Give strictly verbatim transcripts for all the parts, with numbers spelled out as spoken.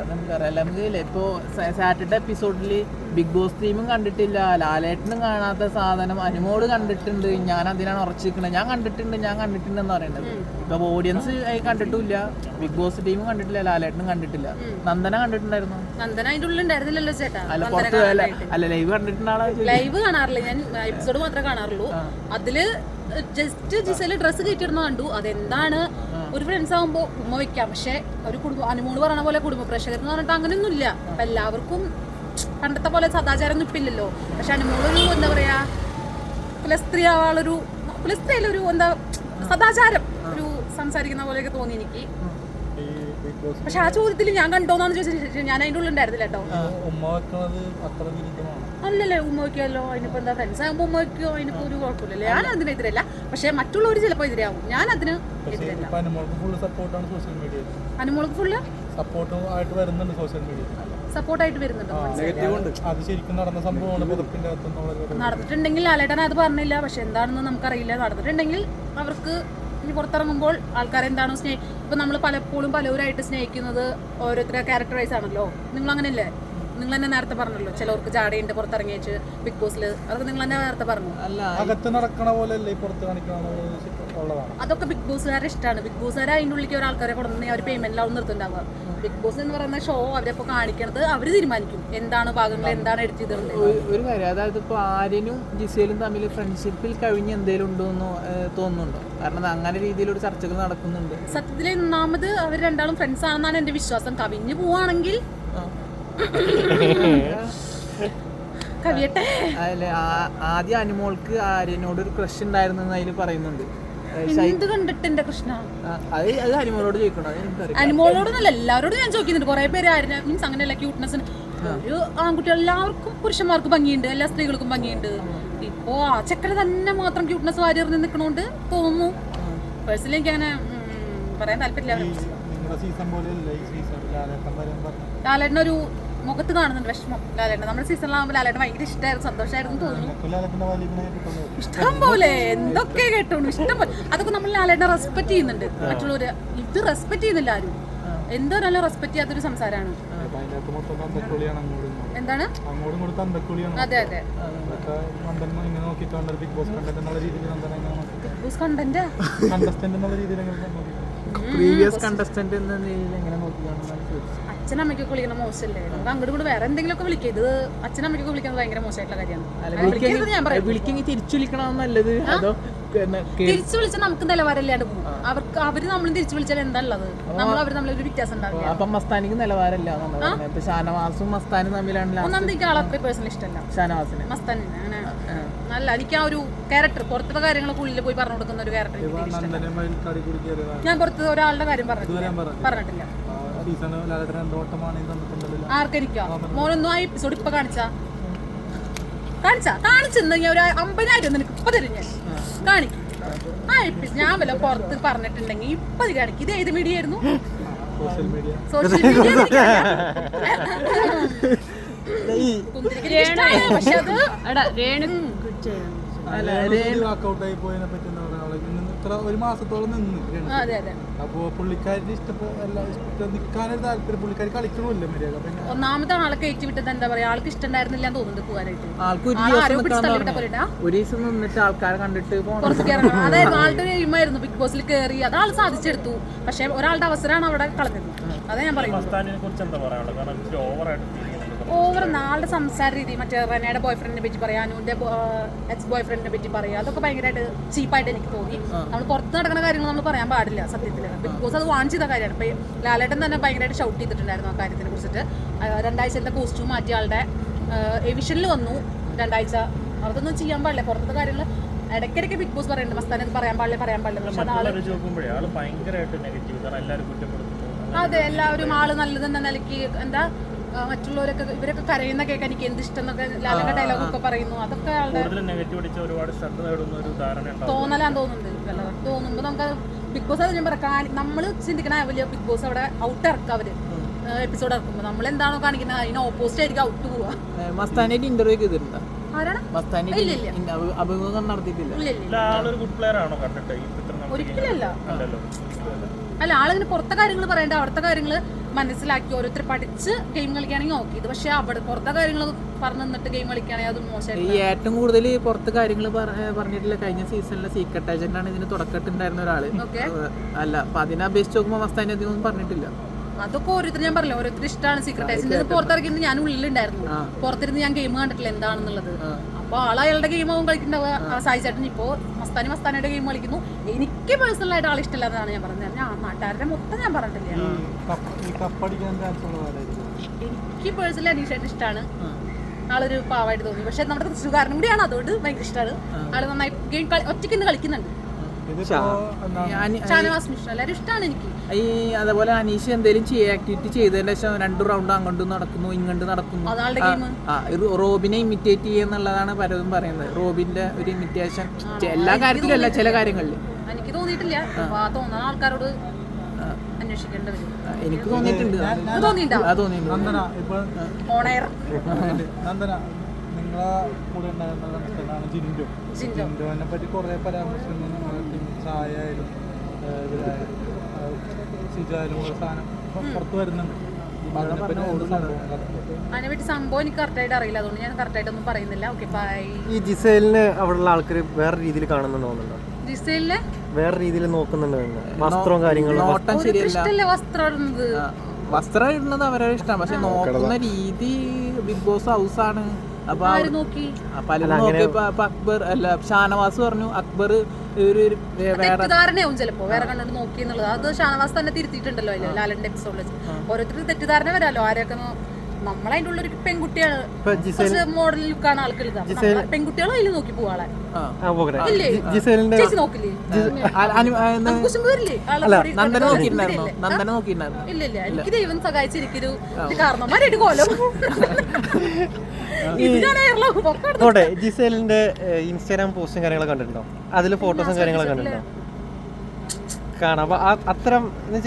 നമുക്കറിയാം. നമുക്കില്ലേ ഇപ്പോ Saturday എപ്പിസോഡില് big boss ടീമും കണ്ടിട്ടില്ല, ലാലേട്ടനും കാണാത്ത സാധനം അനുമോള് കണ്ടിട്ടുണ്ട്, ഞാൻ അതിനാണ് ഉറച്ചിരിക്കുന്നത്, ഞാൻ കണ്ടിട്ടുണ്ട് ഞാൻ കണ്ടിട്ടുണ്ട് എന്ന് പറയുന്നത്. ഇപ്പൊ ഓഡിയൻസ് കണ്ടിട്ടില്ല, ബിഗ് ബോസ് ടീമും കണ്ടിട്ടില്ല, ലാലേട്ടനും കണ്ടിട്ടില്ല. നന്ദന കണ്ടിട്ടുണ്ടായിരുന്നു? നന്ദന അതിന്റെ ഉള്ളിൽ ഉണ്ടായിരുന്നില്ലല്ലോ ചേട്ടാ. അല്ല പുറത്ത് അല്ല ലൈവ് കണ്ടിട്ടുണ്ടാളെ. ലൈവ് കാണാറില്ല ഞാൻ, എപ്പിസോഡ് മാത്രമേ കാണാറുള്ളൂ. അതില് ജസ്റ്റ് ജിസയില് ഡ്രസ്സ് കയറ്റിടുന്ന കണ്ടു. അതെന്താണ്, ഒരു ഫ്രണ്ട്സ് ആകുമ്പോൾ ഉമ്മ വെക്കാം, പക്ഷെ ഒരു കുടുംബ അനുമോള് പറഞ്ഞ പോലെ കുടുംബ പ്രേക്ഷകർ എന്ന് പറഞ്ഞിട്ട് അങ്ങനെയൊന്നും ഇല്ല. അപ്പൊ എല്ലാവർക്കും പണ്ടത്തെ പോലെ സദാചാരം ഒന്നും ഇപ്പില്ലല്ലോ. പക്ഷെ അനുമോളൊരു എന്താ പറയാ കുലസ്ത്രീ ആവാളൊരു കുലസ്ത്രീയിലൊരു എന്താ സദാചാരം ഒരു സംസാരിക്കുന്ന പോലെയൊക്കെ തോന്നി എനിക്ക്. പക്ഷെ ആ ചോദ്യത്തിൽ ഞാൻ കണ്ടോന്നാണ് ചോദിച്ചത്. ഞാൻ അതിൻ്റെ ഉള്ളിൽ ഉണ്ടായിരുന്നില്ല കേട്ടോ. അല്ലല്ലേ ഉമ്മ വയ്ക്കുമല്ലോ, അതിനിപ്പോ എന്താ ഫ്രണ്ട്സ് ആകുമ്പോൾ ഉമ്മ വയ്ക്കോ, അതിനിപ്പോ ഒരു കുഴപ്പമില്ലല്ലേ. ഞാൻ അതിനെതിരല്ല, പക്ഷെ മറ്റുള്ളവർ ചിലപ്പോൾ എതിരാകും, ഞാൻ അതിന് എതിരല്ല. അനുമോൾക്ക് ഫുള്ള് സപ്പോർട്ടായിട്ട് വരുന്നുണ്ട്. നടന്നിട്ടുണ്ടെങ്കിൽ ലാലേട്ടൻ അത് പറഞ്ഞില്ല, പക്ഷെ എന്താണെന്ന് നമുക്കറിയില്ല. നടന്നിട്ടുണ്ടെങ്കിൽ അവർക്ക് ഇനി പുറത്തിറങ്ങുമ്പോൾ ആൾക്കാരെന്താണോ സ്നേഹി ഇപ്പൊ നമ്മൾ പലപ്പോഴും പലവരായിട്ട് സ്നേഹിക്കുന്നത് ഓരോരുത്തരുടെ ക്യാരക്ടർ വൈസ് ആണല്ലോ. നിങ്ങൾ അങ്ങനെയല്ലേ? നിങ്ങൾ തന്നെ നേരത്തെ പറഞ്ഞല്ലോ ചിലവർക്ക് ജാടയുണ്ട് പുറത്തിറങ്ങിയേച്ച് ബിഗ് ബോസിൽ, അതൊക്കെ നിങ്ങൾ തന്നെ നേരത്തെ പറഞ്ഞു. അതൊക്കെ ബിഗ് ബോസുകാരെ ഇഷ്ടമാണ്. ബിഗ് ബോസുകാരെ അതിൻ്റെ ഉള്ളിലേക്ക് ഒരാൾക്കാരെ കൊടുക്കുന്ന അവർ പേയ്മെന്റിലാവും നിർത്തുണ്ടാവുക. ബിഗ് ബോസ് എന്ന് പറയുന്ന ഷോ അവരപ്പോ കാണിക്കണത് അവര് തീരുമാനിക്കും എന്താണ് ഭാഗങ്ങൾ, എന്താണ് എഡിറ്റ് ചെയ്തിട്ടുണ്ട്. ഒരു കാര്യം, അതായത് ഇപ്പൊ ആര്യനും ജിസയിലും തമ്മിൽ ഫ്രണ്ട്ഷിപ്പിൽ കഴിഞ്ഞ് എന്തെങ്കിലും ഉണ്ടോ എന്ന് തോന്നുന്നുണ്ടോ? കാരണം അങ്ങനെ രീതിയിലൊരു ചർച്ചകൾ നടക്കുന്നുണ്ട്. സത്യത്തിൽ ഒന്നാമത് അവർ രണ്ടാളും ഫ്രണ്ട്സ് ആണെന്നാണ് എന്റെ വിശ്വാസം. കവിഞ്ഞു പോവാണെങ്കിൽ കവിയട്ടെ. അല്ലെ ആദ്യം അനുമോൾക്ക് ആര്യനോട് ഒരു ക്രഷ് ഉണ്ടായിരുന്നു അതിൽ പറയുന്നുണ്ട്. എന്ത് കണ്ടിട്ട് എന്റെ കൃഷ്ണ, അത് അനുമോളോട് ചോദിക്കണം. അനുമോളോടൊന്നല്ല എല്ലാവരോടും ഞാൻ ചോദിക്കുന്നുണ്ട്. കുറെ പേര് ആര്യനെ മീൻസ് അങ്ങനെയല്ല ക്യൂട്ട്നെസ്സിന് ഒരു ആൺകുട്ടികൾ എല്ലാവർക്കും പുരുഷന്മാർക്ക് ഭംഗിയുണ്ട്, എല്ലാ സ്ത്രീകൾക്കും ഭംഗിയുണ്ട്. ഇപ്പോ ആ ചക്കര തന്നെ മാത്രം ക്യൂട്ട്നെസ് വാരി എറിഞ്ഞ് നിൽക്കണോണ്ട് തോന്നുന്നു. പേഴ്സണലി എനിക്ക് അങ്ങനെ പറയാൻ താല്പര്യമില്ല. ലാലേട്ടനൊരു മുഖത്ത് കാണുന്നുണ്ട് വിഷമം. ലാലേട്ടൻ നമ്മുടെ സീസണിലാകുമ്പോൾ ലാലേട്ടൻ ഭയങ്കര ഇഷ്ടമായിരുന്നു, സന്തോഷമായിരുന്നു തോന്നുന്നു. ഇഷ്ടം പോലെ എന്തൊക്കെ കേട്ടോളൂ, ഇഷ്ടം പോലെ. അതൊക്കെ നമ്മൾ ലാലേട്ടനെ റെസ്പെക്ട് ചെയ്യുന്നുണ്ട്. മറ്റുള്ളവര് ഇത് റെസ്പെക്ട് ചെയ്യുന്നില്ല ആരും. എന്തോ നല്ല റെസ്പെക്ട് ചെയ്യാത്തൊരു സംസാരമാണ്. എന്താണ്? അതെ അതെ Bigg Boss content previous contestant എന്ന നിലയിൽ എങ്ങനെ നോക്കിയാണ്? അച്ഛനമ്മയ്ക്കൊക്കെ വിളിക്കുന്ന മോശമല്ലേ? നമുക്ക് അങ്ങോട്ട് കൂടെ വേറെ എന്തെങ്കിലുമൊക്കെ വിളിക്കുക. ഇത് അച്ഛനമ്മയ്ക്കൊക്കെ വിളിക്കുന്നത് ഭയങ്കര മോശമായിട്ടുള്ള കാര്യമാണ്. വിളിക്കെങ്കിൽ തിരിച്ചു വിളിക്കണം നല്ലത്. അതോ തിരിച്ചു വിളിച്ചാൽ നമുക്ക് നിലവാരമില്ലാണ്ട് പോകും. അവർക്ക് അവര് നമ്മളും തിരിച്ചു വിളിച്ചാൽ എന്താ ഉള്ളത്? നമ്മൾ അവർ തമ്മിലൊരു വ്യത്യാസം ഉണ്ടാവില്ല. അപ്പൊ മസ്താനിക്ക് നിലവാരമില്ല. ഷാനവാസും മസ്താനും തമ്മിലാണ്. ഒന്നാമത് എനിക്ക് ആളെ അത്ര പേഴ്സണലി ഇഷ്ടമല്ല ഷാനവാസിനെ. മസ്താനിനെ അങ്ങനെ നല്ല എനിക്ക് ആ ഒരു ക്യാരക്ടർ പുറത്തെ കാര്യങ്ങളൊക്കെ ഉള്ളിൽ പോയി പറഞ്ഞു കൊടുക്കുന്ന ഒരു ക്യാരക്ടർ ഞാൻ പുറത്ത് ഒരാളുടെ കാര്യം പറഞ്ഞിട്ടില്ല. ആർക്കെനിക്കോ മോനൊന്നും ആ എപ്പിസോഡ് ഇപ്പൊ കാണിച്ചാ കാണിച്ചാ കാണിച്ചെന്ന് ഞാൻ ഒരു അമ്പതിനായിരം നിനക്ക് ഇപ്പൊ തരും ഞാൻ കാണിക്കും. ആ എപ്പിസോഡ് ഞാൻ വല്ല പുറത്ത് പറഞ്ഞിട്ടുണ്ടെങ്കിൽ ഇപ്പൊ കാണിക്കും. ഇത് ഏത് മീഡിയ ആയിരുന്നു? Social media. പക്ഷെ അത് ഒരു മാസത്തോളം നിന്ന് അപ്പോ പുള്ളിക്കാരി നിൽക്കാനൊരു താല്പര്യം, പുള്ളിക്കാരി കളിക്കണമില്ല മര്യാദ. ഒന്നാമത്തെ ആളെ കയറ്റി വിട്ടത് എന്താ പറയാ, ആൾക്ക് ഇഷ്ടണ്ടായിരുന്നില്ല തോന്നുന്നുണ്ട് പോകാനായിട്ട്. ആൾക്കാരെ കണ്ടിട്ട് അതായത് ആളുടെ എയിമായിരുന്നു ബിഗ് ബോസിൽ കയറി, അത് ആൾ സാധിച്ചെടുത്തു. പക്ഷെ ഒരാളുടെ അവസരമാണ് അവിടെ കളഞ്ഞത്. അതാ ഞാൻ പറയുന്നത്. ഓവർ നാളുടെ സംസാര രീതി, മറ്റേ റെനയുടെ ബോയ് ഫ്രണ്ടിനെ പറ്റി പറയാം, അനുവിന്റെ എക്സ് ബോയ് ഫ്രണ്ടിനെ പറ്റി പറയാം, അതൊക്കെ ഭയങ്കരമായിട്ട് ചീപ്പായിട്ട് എനിക്ക് തോന്നി. നമ്മൾ പുറത്ത് നടക്കുന്ന കാര്യങ്ങൾ നമ്മൾ പറയാൻ പാടില്ല സത്യത്തിൽ. ബിഗ് ബോസ് അത് വാൺ ചെയ്ത കാര്യമാണ്. ഇപ്പൊ ലാലേട്ടൻ തന്നെ ഭയങ്കരമായിട്ട് ഷൗട്ട് ചെയ്തിട്ടുണ്ടായിരുന്നു ആ കാര്യത്തിനെ കുറിച്ചിട്ട്. രണ്ടാഴ്ചത്തെ കോസ്റ്റ്യൂം മാറ്റിയ ആളുടെ എവിഷനിൽ വന്നു രണ്ടാഴ്ച. അതൊന്നും ചെയ്യാൻ പാടില്ല. പുറത്തെ കാര്യങ്ങൾ ഇടയ്ക്കിടയ്ക്ക് ബിഗ് ബോസ് പറയുന്നുണ്ട് മസ്താൻ ഇത് പറയാൻ പാടില്ല പറയാൻ പാടില്ല. പക്ഷെ അതെ എല്ലാവരും ആള് നല്ലതെന്ന നിലയ്ക്ക് എന്താ മറ്റുള്ളവരൊക്കെ ഇവരൊക്കെ കരയുന്ന കേൾക്കാൻ എനിക്ക് എന്ത് ഇഷ്ടം എന്നൊക്കെ ലാലന്റെ ഡയലോഗ് ഒക്കെ പറയുന്നു. അതൊക്കെ ആളുടെ തോന്നലാന്ന് തോന്നുന്നുണ്ട്. തോന്നുമ്പോ നമുക്ക് ബിഗ് ബോസ് അത് ഞാൻ പറയാം, നമ്മള് ചിന്തിക്കണ വലിയ ബിഗ് ബോസ് അവിടെ ഔട്ട് ഇറക്കുക അവര് എപ്പിസോഡ് ഇറക്കുമ്പോ നമ്മൾ എന്താണോ കാണിക്കുന്നത് അതിന് ഓപ്പോസിറ്റ് ആയിരിക്കും ഔട്ട് പോവാ. മസ്താനായിട്ട് ഇന്റർവ്യൂ ചെയ്തിട്ടുണ്ടോ? ആരാണ്? അഭിമുഖം നടത്തിയിട്ടില്ല. ഒരിക്കലല്ല. അല്ല ആളിങ്ങനെ പുറത്തെ കാര്യങ്ങൾ പറയണ്ട, അവിടുത്തെ കാര്യങ്ങള് മനസ്സിലാക്കി ഓരോരുത്തർ പഠിച്ച് ഗെയിം കളിക്കുകയാണെങ്കിൽ ഓക്കെ. ഇത് പക്ഷെ അവിടെ പുറത്തെ കാര്യങ്ങൾ പറഞ്ഞു തന്നിട്ട് ഗെയിം കളിക്കുകയാണെങ്കിൽ അത് മോശമായിട്ട്. ഈ ഏറ്റവും കൂടുതൽ പുറത്ത് കാര്യങ്ങൾ പറഞ്ഞിട്ടില്ല കഴിഞ്ഞ സീസണിലെ സീക്രട്ട് ഏജന്റ് ആണ് ഇതിന് തുടക്കട്ടുണ്ടായിരുന്ന ഒരാള്. അല്ല അപ്പൊ അതിനെ അപേക്ഷിച്ച് നോക്കുമ്പോൾ മസ്താനി അധികം ഒന്നും പറഞ്ഞിട്ടില്ല. അതൊക്കെ ഓരോരുത്തർ ഞാൻ പറഞ്ഞില്ല, ഓരോരുത്തർ ഇഷ്ടമാണ് സീക്രട്ട് ഏജന്റ്. പുറത്തിറങ്ങിയിട്ട് ഞാൻ ഉള്ളിലുണ്ടായിരുന്നു, പുറത്തിരുന്ന് ഞാൻ ഗെയിം കണ്ടിട്ടില്ല എന്താണെന്നുള്ളത്. അപ്പൊ ആൾ അയാളുടെ ഗെയിം ആവും കളിക്കുന്നുണ്ടാവുക. സായി ചേട്ടൻ ഇപ്പോ മസ്താനി മസ്താനിയുടെ ഗെയിം കളിക്കുന്നു. എനിക്ക് പേഴ്സണലായിട്ട് ആൾ ഇഷ്ടമില്ലാതാണ് ഞാൻ പറഞ്ഞത്. ഞാൻ നാട്ടുകാരുടെ മൊത്തം ഞാൻ പറഞ്ഞിട്ടില്ല. എനിക്ക് പേഴ്സണലി അനീഷായിട്ട് ഇഷ്ടമാണ്. ആളൊരു പാവായിട്ട് തോന്നി. പക്ഷെ നമ്മുടെ തൃശ്ശൂർക്കാരനും കൂടിയാണ്, അതുകൊണ്ട് ഭയങ്കര ഇഷ്ടമാണ്. ആള് നന്നായി ഗെയിം ഒറ്റയ്ക്ക് ഇന്ന് കളിക്കുന്നുണ്ട്. ഷാനവാസ് മിശ്ര എല്ലാവരും ഇഷ്ടമാണ് എനിക്ക്. ഈ അതേപോലെ അനീഷ് എന്തെങ്കിലും ആക്ടിവിറ്റി ചെയ്തതിന്റെ ശേഷം രണ്ടു റൗണ്ട് അങ്ങോട്ടും നടക്കുന്നു ഇങ്ങോട്ട് നടക്കുന്നു. റോബിനെ ഇമിറ്റേറ്റ് ചെയ്യുന്നുള്ളതാണ് പലതും പറയുന്നത്. റോബിന്റെ ഒരു ഇമിറ്റേഷൻ എല്ലാ കാര്യത്തിലും അല്ല, ചില കാര്യങ്ങളിൽ എനിക്ക് തോന്നിയിട്ടില്ല. തോന്നുന്ന ആൾക്കാരോട് അന്വേഷിക്കേണ്ടി വരും. എനിക്ക് തോന്നിയിട്ടുണ്ട്. നിങ്ങളെ കൂടെ ഉണ്ടായിരുന്ന ജിൻഡോ ജിൻഡോനെ പറ്റി കുറെ പരാമർശങ്ങൾ ചായായാലും സിജായാലും സാധനം പുറത്ത് വരുന്നുണ്ട്. അതിനെപ്പറ്റി സംഭവം എനിക്ക് കറക്റ്റായിട്ട് അറിയില്ല, അതുകൊണ്ട് ഞാൻ കറക്റ്റായിട്ടൊന്നും പറയുന്നില്ല. Okay bye. ഈ ജിസേലിനെ അവിടെയുള്ള ആൾക്കാർ വേറെ രീതിയിൽ കാണുന്നുണ്ടോ? ജിസേലിനെ വേറെ രീതിയിൽ നോക്കുന്നുണ്ടോ? വസ്ത്രവും കാര്യങ്ങളും ഇഷ്ടമല്ലേ വസ്ത്രം ഇടുന്നത്? വസ്ത്രം ഇടുന്നത് അവരുടെ ഇഷ്ടമാണ്, പക്ഷെ നോക്കുന്ന രീതി ബിഗ് ബോസ് ഹൗസ് ആണ്. അപ്പൊ പലരും നോക്കിയപ്പോ അക്ബർ അല്ല ഷാനവാസ് പറഞ്ഞു അക്ബർ ഒരു തെറ്റിദ്ധാരണയാവും ചിലപ്പോ വേറെ കണ്ടോണ്ട് നോക്കി എന്നുള്ളത്. അത് ഷാനവാസ് തന്നെ തിരുത്തിയിട്ടുണ്ടല്ലോ അതില് ലാലന്റെ എപ്പിസോഡിൽ. ഓരോരുത്തർക്ക് തെറ്റിദ്ധാരണ വരാലോ. ആരൊക്കെ നമ്മളതിൻ്റെ ഉള്ളൊരു പെൺകുട്ടിയാണ്, മോഡൽ ലുക്കാണ് ആൾക്കാർ. പെൺകുട്ടികളും അതിൽ നോക്കി പോവാളെ ചേച്ചി നോക്കില്ലേ? ഇല്ല ഇല്ല, എനിക്ക് ദൈവം സഹായിച്ചിരിക്കൊരു കാരണന്മാരായിട്ട് കോലം. ജിസേലിന്റെ ഇൻസ്റ്റാഗ്രാം പോസ്റ്റും കാര്യങ്ങളൊക്കെ കണ്ടിട്ടുണ്ടോ? അതില് ഫോട്ടോസും കാര്യങ്ങളൊക്കെ കണ്ടിട്ടുണ്ടോ? കാണാം. അപ്പൊ അത്തരം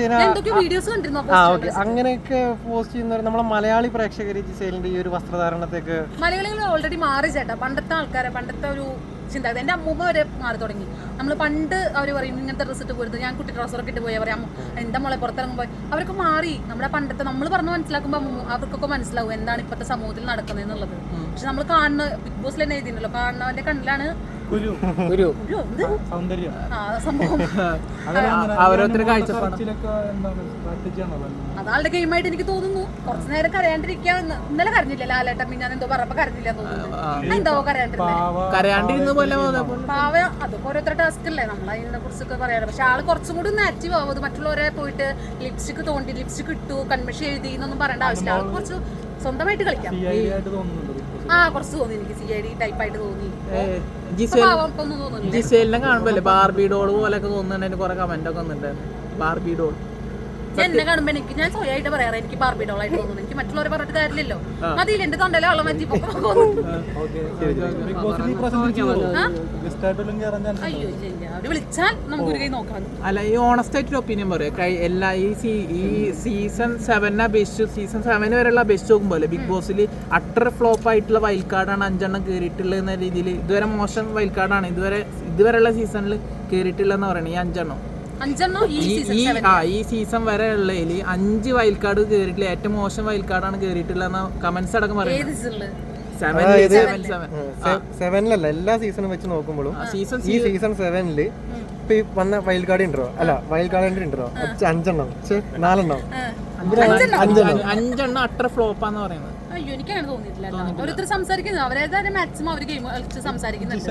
ആ ഓക്കെ അങ്ങനെയൊക്കെ പോസ്റ്റ് ചെയ്യുന്നവർ നമ്മളെ മലയാളി പ്രേക്ഷകർ ജിസേലിന്റെ ഈ ഒരു വസ്ത്രധാരണത്തേക്ക് മലയാളികൾ ഓൾറെഡി മാറി ചേട്ടാ. പണ്ടത്തെ ആൾക്കാരെ പണ്ടത്തെ ഒരു ചിന്താഗതി എൻ്റെ അമ്മൂമ്മ വരെ മാറി തുടങ്ങി. നമ്മൾ പണ്ട് അവർ പറയും ഇങ്ങനത്തെ ഡ്രസ്സ് ഇട്ട് പോരുത്, ഞാൻ കുട്ടി ട്രൗസറൊക്കെ ഇട്ട് പോയാൽ പറയാം എന്താ മോളെ പുറത്തിറങ്ങുമ്പോൾ. അവരൊക്കെ മാറി. നമ്മുടെ പണ്ടത്തെ നമ്മൾ പറഞ്ഞ് മനസ്സിലാക്കുമ്പോൾ അവർക്കൊക്കെ മനസ്സിലാവും എന്താണ് ഇപ്പോഴത്തെ സമൂഹത്തിൽ നടക്കുന്നത് എന്നുള്ളത്. പക്ഷെ നമ്മൾ കാണുന്ന ബിഗ് ബോസിൽ തന്നെ എഴുതിയിട്ടുണ്ടല്ലോ, കാണുന്നവന്റെ കണ്ണിലാണ് സംഭവം. ഓരോരുത്തർ കാഴ്ചപ്പാട് അതാളുടെ ഗെയിമായിട്ട് എനിക്ക് തോന്നുന്നു. കുറച്ചു നേരം കരയാണ്ടിരിക്കാൻ. ഇന്നലെ കരഞ്ഞില്ല ലാലേട്ടൻ, പിന്നെ ഞാൻ എന്തോ പറഞ്ഞപ്പോ കരഞ്ഞില്ല തോന്നുന്നു. എന്തോ കരയാണ്ടിരുന്ന പാവ. അതൊക്കെ ഓരോരുത്തരുടെ ടാസ്ക് അല്ലേ, നമ്മൾ അതിനെ കുറിച്ചൊക്കെ പറയാറ്. പക്ഷെ ആള് കുറച്ചും കൂടി ഒന്ന് ആക്റ്റീവ് ആവും. മറ്റുള്ളവരെ പോയിട്ട് ലിപ്സ്റ്റിക് തോണ്ടി ലിപ്സ്റ്റിക് ഇട്ടു കൺമിഷൻ എഴുതി എന്നൊന്നും പറയേണ്ട ആവശ്യമില്ല. ആൾക്ക് കുറച്ച് സ്വന്തമായിട്ട് കളിക്കാം. ആ കുറച്ച് തോന്നി എനിക്ക് സി ഐ ഡി ടൈപ്പായിട്ട് തോന്നി. ജിസേലിനെ കാണുമ്പോ ബാർബി ഡോൾ പോലൊക്കെ തോന്നുന്നുണ്ട്. കുറെ കമന്റ് ഒക്കെ വന്നിട്ടുണ്ടായിരുന്നു ബാർബി ഡോൾ. എന്നെ കാണുമ്പോ എനിക്ക് ഞാൻ സ്വയമായിട്ട് പറയാറ് എനിക്ക് ബാർബി ഡോൾ ആയിട്ട് തോന്നുന്നു. എനിക്ക് മറ്റുള്ളവരെ പറഞ്ഞിട്ട് കാര്യമില്ലല്ലോ. മതിയില്ല എന്റെ തൊണ്ടയിലെ വെള്ളം മാറ്റി. അയ്യോ ഇല്ല, അവര് വിളിച്ചാൽ നമുക്ക് ഒരു കൈ നോക്കാം. അല്ല ഈ ഓണസ്റ്റ് ആയിട്ടൊരു ഒപ്പീനിയൻ പറയാം. എല്ലാ ഈ ഈ സീസൺ സെവനെ അപേക്ഷിച്ച് സീസൺ സെവന് വരെയുള്ള അപേക്ഷിച്ച് നോക്കുമ്പോൾ ബിഗ് ബോസിൽ അട്ടർ ഫ്ലോപ്പ് ആയിട്ടുള്ള വൈൽഡ് കാർഡാണ് അഞ്ചെണ്ണം കയറിയിട്ടുള്ളത് എന്ന രീതിയിൽ. ഇതുവരെ മോശം വൈൽഡ് കാർഡാണ് ഇതുവരെ ഇതുവരെയുള്ള സീസണിൽ കയറിയിട്ടുള്ളതെന്ന് പറയണേ. ഈ അഞ്ചെണ്ണം ഈ സീസൺ വരെ ഉള്ളതിൽ അഞ്ച് വൈൽഡ് കാർഡ് കയറിയിട്ടില്ല. ഏറ്റവും മോശം വൈൽഡ് കാർഡാണ് കയറിയിട്ടുള്ള കമന്റ്സ് അടക്കം പറയുന്നത്. സെവനിലല്ല എല്ലാ സീസണും വെച്ച് നോക്കുമ്പോഴും ഈ സീസൺ സെവനില് ഇപ്പൊ ഈ വന്ന വൈൽഡ് കാർഡ് ഉണ്ടോ? അല്ല വൈൽഡ് കാർഡ് ഉണ്ടോ? അഞ്ചെണ്ണം നാലെണ്ണം അഞ്ചെണ്ണം അട്ടർ ഫ്ലോപ്പാന്ന് പറയുന്നത്. അയ്യോ എനിക്ക് അങ്ങനെ തോന്നിയിട്ടില്ല. ഓരോരുത്തർ സംസാരിക്കുന്നത് അവരേതായാലും മാക്സിമം അവർ ഗെയിം കളിച്ച് സംസാരിക്കുന്നുണ്ട്.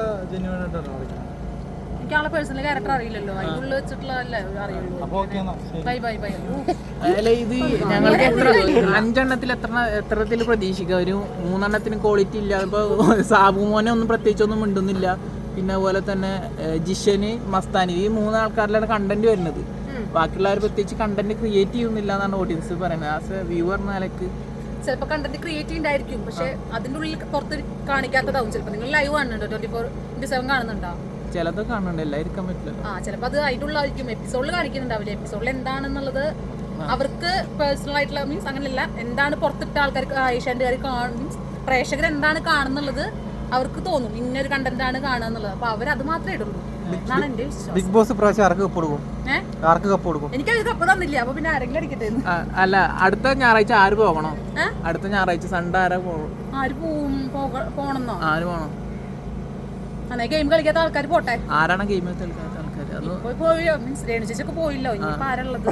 എനിക്ക് ആളെ പേഴ്സണൽ ക്യാരക്ടർ അറിയില്ലല്ലോ, അതിനുള്ളിൽ വെച്ചിട്ടുള്ള അറിയുള്ളൂ. Bye bye bye. അല്ല ഇത് ഞങ്ങൾക്ക് എത്ര അഞ്ചെണ്ണത്തിൽ എത്ര എത്രത്തിൽ പ്രതീക്ഷിക്കുക? ഒരു മൂന്നെണ്ണത്തിന് ക്വാളിറ്റി ഇല്ല. ഇപ്പൊ സാബുമോനെ ഒന്നും പ്രത്യേകിച്ചൊന്നും മിണ്ടുന്നില്ല. പിന്നെ അതുപോലെ തന്നെ ജിഷന് മസ്താനി ഈ മൂന്ന് ആൾക്കാരിലാണ് കണ്ടന്റ് വരുന്നത്. ബാക്കിയുള്ളവർ പ്രത്യേകിച്ച് കണ്ടന്റ് ക്രിയേറ്റ് ചെയ്യുന്നില്ല എന്നാണ് ഓഡിയൻസ് പറയുന്നത്. ആസ് എ വ്യൂവർ എന്ന നിലക്ക് ചിലപ്പോൾ കണ്ടന്റ് ക്രിയേറ്റ് ഉണ്ടായിരിക്കും, പക്ഷെ അതിന്റെ ഉള്ളിൽ പുറത്ത് കാണിക്കാത്തതാവും. ചിലപ്പോൾ നിങ്ങൾ ലൈവ് കാണുന്നുണ്ടോ? ട്വന്റി ഫോർ ഇന്റു സെവൻ കാണുന്നുണ്ടോ? ചിലത് കാണുന്നുണ്ട്, എല്ലാവർക്കും പറ്റില്ല. ആ ചിലപ്പോൾ അത് അതിൻ്റെ ഉള്ളായിരിക്കും. എപ്പിസോഡിൽ കാണിക്കുന്നുണ്ടാവില്ല. എപ്പിസോഡിൽ എന്താണെന്നുള്ളത് അവർക്ക് പേഴ്സണൽ ആയിട്ടുള്ള മീൻസ് അങ്ങനെയല്ല, എന്താണ് പുറത്തിട്ട ആൾക്കാർക്ക് ഏഷ്യാൻ്റെ കാണും മീൻസ് പ്രേക്ഷകർ എന്താണ് കാണുന്നുള്ളത് അവർക്ക് തോന്നും ഇന്നൊരു കണ്ടന്റ് ആണ് കാണുക എന്നുള്ളത്. അപ്പോൾ അവർ അത് മാത്രമേ ഇടുള്ളൂ. എന്നാണ് എന്റെ വിശ്വാസം. ബിഗ് ബോസ് പ്രാവശ്യം ആർക്ക് കപ്പ് കൊടുക്കും? ഏഹ് ആർക്ക് കപ്പ് കൊടുക്കും? എനിക്കത് കപ്പ് തന്നില്ല, അപ്പൊ പിന്നെ ആരെങ്കിലും അടിക്കട്ടെ. ആ, അല്ല അടുത്ത ഞായറാഴ്ച ആര് പോകണോ? ഏ? അടുത്ത ഞായറാഴ്ച സൺഡേ ആരാ പോകും? ആര് പോവും? പോക- പോണെന്നോ? ആര് പോകണം? അന്നേ ഗെയിം കളിക്കാത്ത ആൾക്കാർ പോട്ടെ. ആരാണ് ഗെയിം കളിക്കാത്ത ആൾക്കാർ? അത് പോയി പോയി മീൻസ് രേണു ചേച്ചിയൊക്കെ പോയില്ലോ, ഇനിയിപ്പോ ആരുള്ളത്?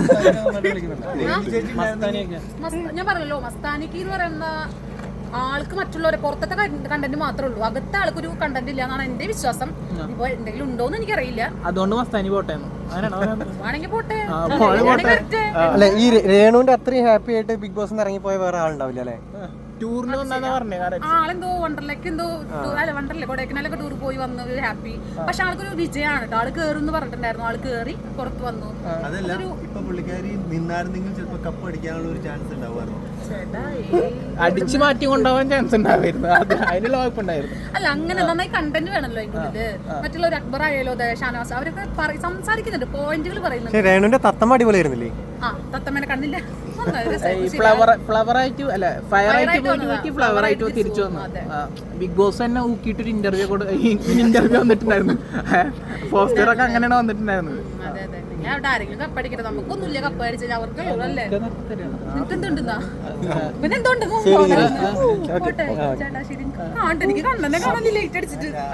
മസ്ത- ഞാൻ പറഞ്ഞല്ലോ, മസ്താനിക്ക് എന്ന് പറയുന്ന ആൾക്ക് മറ്റുള്ളവരെ പുറത്തത്തെ കണ്ടന്റ് മാത്രമേ ഉള്ളൂ, അകത്തെ ആൾക്കൊരു കണ്ടന്റ് ഇല്ല എന്നാണ് എന്റെ വിശ്വാസം. ഇപ്പൊ എന്തെങ്കിലും ഉണ്ടോന്ന് എനിക്കറിയില്ല. അതുകൊണ്ട് മസ്താനി പോട്ടെ ആണെങ്കിൽ പോട്ടെ. അല്ലെ ഈ രേണുവിന്റെ അത്രയും ഹാപ്പി ആയിട്ട് ബിഗ് ബോസ് ഇറങ്ങിപ്പോയ വേറെ ആളുണ്ടാവില്ല അല്ലെ? ടൂറിന് വന്നാ പറഞ്ഞേ. ആളെന്തോ വണ്ടർലേക്ക് എന്തോ അല്ല വണ്ടർലേ കൊടൈക്കനാലൊക്കെ ടൂർ പോയി വന്നു, ഹാപ്പി. പക്ഷെ ആൾക്കൊരു വിജയമാണ് കേട്ടോ. ആള് കേറുന്ന് പറഞ്ഞിട്ടുണ്ടായിരുന്നു, ആള് കേറി പുറത്ത് വന്നു. അതല്ല ഇപ്പൊ പുള്ളിക്കാരി നിന്നായിരുന്നെങ്കിൽ ചിലപ്പോ കപ്പ് അടിക്കാനുള്ള ഒരു ചാൻസ് ഉണ്ടാവുമായിരുന്നു. അടിച്ചു മാറ്റി കൊണ്ടുപോകാൻ ചാൻസ് ഉണ്ടായിരുന്നു, അതിനുള്ള കുഴപ്പമുണ്ടായിരുന്നു. അല്ല അങ്ങനെ നന്നായി കണ്ടന്റ് വേണല്ലോ അതിനുള്ളില്. മറ്റുള്ളവർ അക്ബർ ആയാലോ ഷാനവാസ് അവരൊക്കെ പറ- സംസാരിക്കുന്നുണ്ട്, പോയിന്റുകൾ പറയുന്നുണ്ട്. രേണുവിന്റെ തത്തമ്മ അടിപൊളിയായിരുന്നില്ലേ? ആ തത്തമ്മേനെ കണ്ടില്ല. ഫ്ലവർ ഫ്ലവർ ആയിട്ട് അല്ല ഫയർ ആയിട്ട് പോയിട്ട് ഫ്ലവർ ആയിട്ട് തിരിച്ചു വന്നു. ബിഗ് ബോസ് തന്നെ ഊക്കിയിട്ടൊരു ഇന്റർവ്യൂ ഇന്റർവ്യൂ വന്നിട്ടുണ്ടായിരുന്നു. പോസ്റ്ററൊക്കെ അങ്ങനെയാണ് വന്നിട്ടുണ്ടായിരുന്നത്. അതെ അതെ, ഞാൻ അവിടെ ആരെങ്കിലും കപ്പടിക്കട്ടെ, നമുക്കൊന്നുമില്ല കപ്പ് അടിച്ചാൽ അവർക്ക് അല്ലേ. നിനക്ക് എന്തുണ്ടെന്നാ പിന്നെ എന്തുണ്ട്? പോട്ടെ ചേട്ടാ, ശരി. കാണട്ടെ, എനിക്ക് കണ്ണനെ കാണാൻ ലേറ്റ് അടിച്ചിട്ട്.